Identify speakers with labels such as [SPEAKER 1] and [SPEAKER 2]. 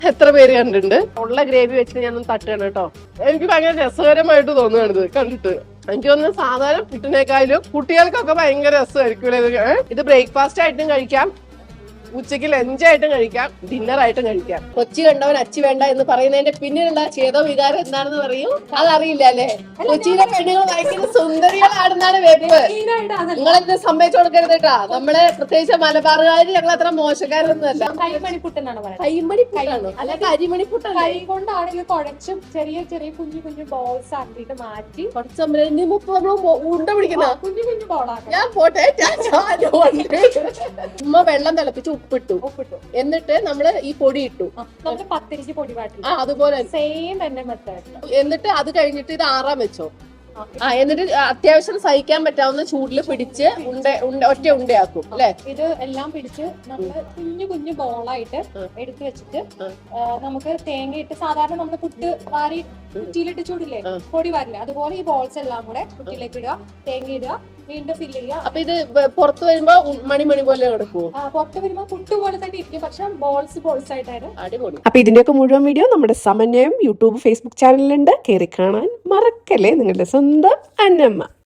[SPEAKER 1] എത്ര പേര് കണ്ടിട്ടുണ്ട്? ഉള്ള ഗ്രേവി വെച്ചിട്ട് ഞാനൊന്ന് തട്ടുകയാണ് കേട്ടോ. എനിക്ക് ഭയങ്കര രസകരമായിട്ട് തോന്നുകയാണിത് കണ്ടിട്ട്. എനിക്ക് തോന്നുന്നു സാധാരണ പുട്ടിനേക്കാളും കുട്ടികൾക്കൊക്കെ ഭയങ്കര രസമായിരിക്കും. ഇത് ബ്രേക്ക്ഫാസ്റ്റ് ആയിട്ടും കഴിക്കാം, ഉച്ചയ്ക്ക് ലഞ്ചായിട്ടും കഴിക്കാം, ഡിന്നറായിട്ടും കഴിക്കാം. കൊച്ചി കണ്ടവൻ അച്ചി വേണ്ട എന്ന് പറയുന്നതിന്റെ പിന്നിലുള്ള ചേതോ വികാരം എന്താണെന്ന് പറയൂ. അതറിയില്ല അല്ലേ? കൊച്ചിയിലെ പെണ്ണുങ്ങൾ ഭയങ്കര സുന്ദരികളാണെന്നാണ് വെപ്പ്. നിങ്ങളെന്നെ സമ്മതിച്ചു കൊടുക്കരുത് കേട്ടാ. നമ്മള് പ്രത്യേകിച്ച് മലബാറുകാര് ഞങ്ങൾ അത്ര മോശക്കാരൊന്നുമല്ല. കൈമണിപ്പുട്ടാണ് അല്ല കരിമണിപ്പുട്ടാണ്.
[SPEAKER 2] കൈ കൊണ്ടാണെങ്കിൽ കുഴച്ചും ചെറിയ ചെറിയ കുഞ്ഞു കുഞ്ഞു ബോൾസ് ആക്കിയിട്ട് മാറ്റി
[SPEAKER 1] ഉണ്ട പിടിക്കുന്ന
[SPEAKER 2] കുഞ്ഞു കുഞ്ഞു ബോളാണ്.
[SPEAKER 1] ഞാൻ പോട്ടെ. ഉമ്മ വെള്ളം തിളപ്പിച്ച് ഉപ്പിട്ടു. എന്നിട്ട് നമ്മള് ഈ പൊടി ഇട്ടു.
[SPEAKER 2] നമ്മള് പത്തിരിക്ക് പൊടി പാട്ടില്ല
[SPEAKER 1] അതുപോലെ
[SPEAKER 2] സെയിം തന്നെ മെത്തേഡ്.
[SPEAKER 1] എന്നിട്ട് അത് കഴിഞ്ഞിട്ട് ഇത് ആറാൻ വെച്ചോ. എന്നിട്ട് അത്യാവശ്യം സഹിക്കാൻ പറ്റാവുന്ന ചൂടിൽ പിടിച്ച് ഒറ്റ ഉണ്ടയാക്കും അല്ലെ?
[SPEAKER 2] ഇത് എല്ലാം പിടിച്ച് നമ്മള് കുഞ്ഞു കുഞ്ഞു ബോളായിട്ട് എടുത്തു വെച്ചിട്ട് നമുക്ക് തേങ്ങ ഇട്ട് സാധാരണ നമ്മള് പുട്ട് വാരി കുറ്റിയിലിട്ട് ചൂടില്ലേ, പൊടി വാരില്ല, അതുപോലെ ഈ ബോൾസ് എല്ലാം കൂടെ കുറ്റിയിലേക്ക് ഇടുക, തേങ്ങ ഇടുക, വീണ്ടും ഫില്ല് ചെയ്യുക.
[SPEAKER 1] അപ്പൊ ഇത് പുറത്ത് വരുമ്പോ മണി പോലെ കിടക്കുവോ?
[SPEAKER 2] പുറത്ത് വരുമ്പോ പുട്ട് പോലെ തന്നെ ഇരിക്കും, പക്ഷെ ബോൾസ് ആയിട്ടാണ്.
[SPEAKER 1] അടിപൊളി. അപ്പൊ ഇതിന്റെയൊക്കെ മുഴുവൻ വീഡിയോ നമ്മുടെ സമന്വയം യൂട്യൂബ് ഫേസ്ബുക്ക് ചാനലിലുണ്ട്. കയറി കാണാൻ മറക്കല്ലേ. നിങ്ങളുടെ സ്വന്തം അന്നമ്മ.